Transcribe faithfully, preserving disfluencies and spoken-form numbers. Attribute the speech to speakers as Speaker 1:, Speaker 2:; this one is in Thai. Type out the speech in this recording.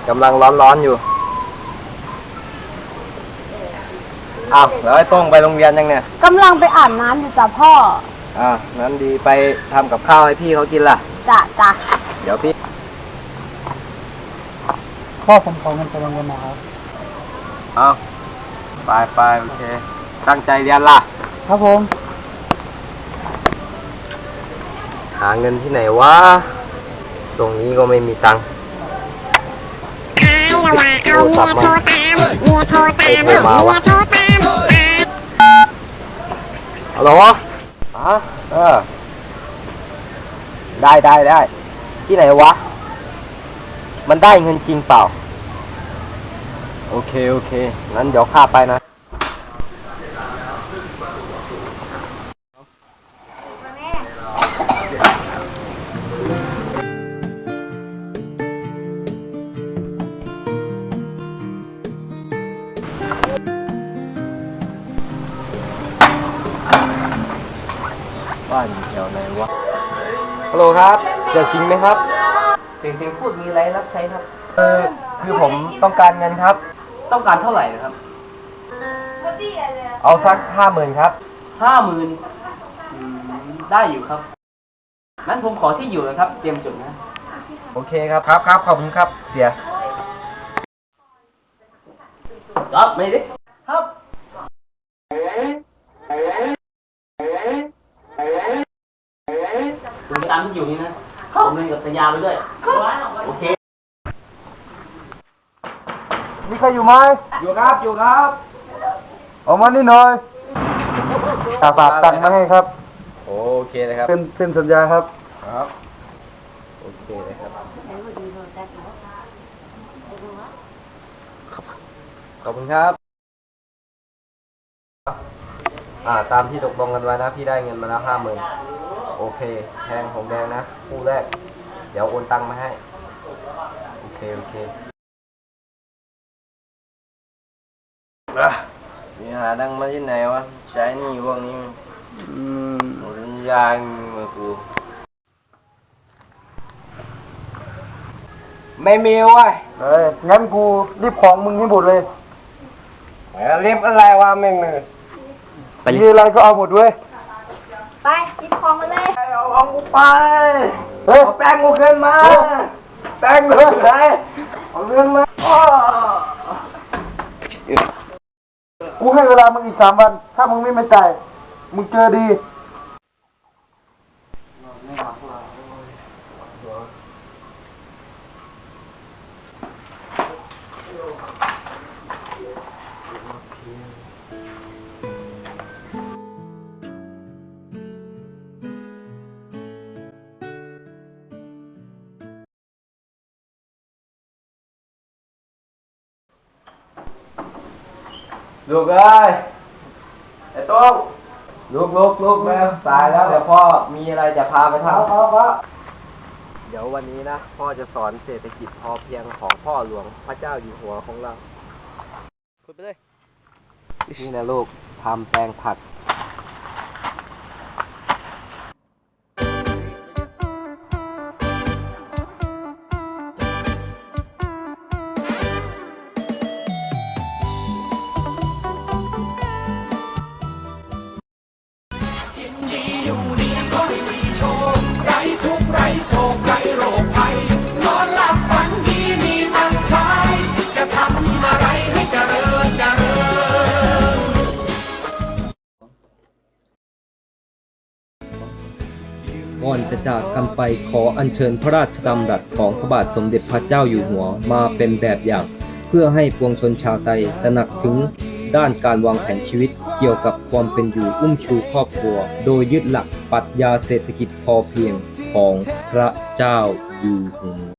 Speaker 1: กำลังร้อนๆอยู่อ้าวแล้วไอ้โต้งไปโรงเรียนยังเนี่ย
Speaker 2: กำลังไปอาบน้ำอยู่จ้ะพ่อ
Speaker 1: อ่างั้นดีไปทำกับข้าวให้พี่เขากินล่ะ
Speaker 2: จ้ะจ้ะ
Speaker 1: เดี๋ยวพี่
Speaker 3: พ่อผมขอเงินไปโรงเรียนนะครับ
Speaker 1: เอาไปไปโอเคตั้งใจเรียนล่ะ
Speaker 3: ครับผม
Speaker 1: หาเงินที่ไหนวะตรงนี้ก็ไม่มีตังค์
Speaker 4: เอาเมียโทรตามเมียโทรตามเมียโทรตาม
Speaker 1: ฮัลโหลอ๋อเออได้ได้ได้ที่ไหนวะมันได้เงินจริงเปล่าโอเคโอเคงั้นเดี๋ยวข้าไปนะบ้านอยู่แถวไหนวะฮัลโหลครับเสียงจริงไหมครับเสียงจริงพูดมีอะไรรับใช้ครับเออคือผมต้องการเงินครับต้องการเท่าไหร่นะครับเอาสักห้าหมื่นครับห้าหมื่นได้อยู่ครับงั้นผมขอที่อยู่นะครับเตรียมจดนะโอเคครับครับครับขอบคุณครับเสียจอบไม่ดิครับคุณไปตามที่อยู่นี่นะผมเล่นกับสัญญาไปด้วยโอเค
Speaker 3: มีใครอยู่ไหม
Speaker 1: อยู่ครับอยู่ครับ
Speaker 3: ออกมานี่หน่อยฝากฝากตังค์มาให้ครับ
Speaker 1: โอเคเลยครับ
Speaker 3: เซ็นเซ็นสัญญาครับ
Speaker 1: ครับโอเคเลยครับขอบคุณครับอ่าตามที่ตกลงกันไว้นะพี่ได้เงินมาแล้วห้าหมื่นโอเคแทงผมแดงนะคู่แรกเดี๋ยวโอนตังค์มาให้โอเคโอเคมีหาดังมาที่ไหนวะใช้นี่พวกนี้อืมหมดยางมากูไม่มีวะ
Speaker 3: เอ้ยงั้นกูรีบของมึงให้หมดเลย
Speaker 1: รีบอะไรวะไม่มี
Speaker 3: มีอะไรก็เอาหมดด้วย
Speaker 2: ไปหยิบของมาเลย
Speaker 1: เอาของกูไปเฮ้ยแป้งกูเกินมาแป้งกูไหนเอาเงินมา
Speaker 3: กูให้เวลามึงอีกสามวันถ้ามึงไม่มาจ่ายมึงเจอดี
Speaker 1: ลูกเอ้ยไอ้โต้งลูกลูกลูกแล้วสายแล้วเดี๋ยวพ่อมีอะไรจะพาไปทำเดี๋ยววันนี้นะพ่อจะสอนเศรษฐกิจพอเพียงของพ่อหลวงพระเจ้าอยู่หัวของเราคุยไปเลยนี่นะลูกทำแปลงผัก
Speaker 5: โศกไร้โรคภัยนอนหลับฝันดีมีตังค์ใช้จะทำอะไรให้เจริญเจริญ
Speaker 1: ก่อนจะจากกันไปขออัญเชิญพระราชดำรัสของพระบาทสมเด็จพระเจ้าอยู่หัวมาเป็นแบบอย่างเพื่อให้ปวงชนชาวไทยตระหนักถึงด้านการวางแผนชีวิตเกี่ยวกับความเป็นอยู่อุ้มชูครอบครัวโดยยึดหลักปรัชญาเศรษฐกิจพอเพียงของพระเจ้าอยู่หัว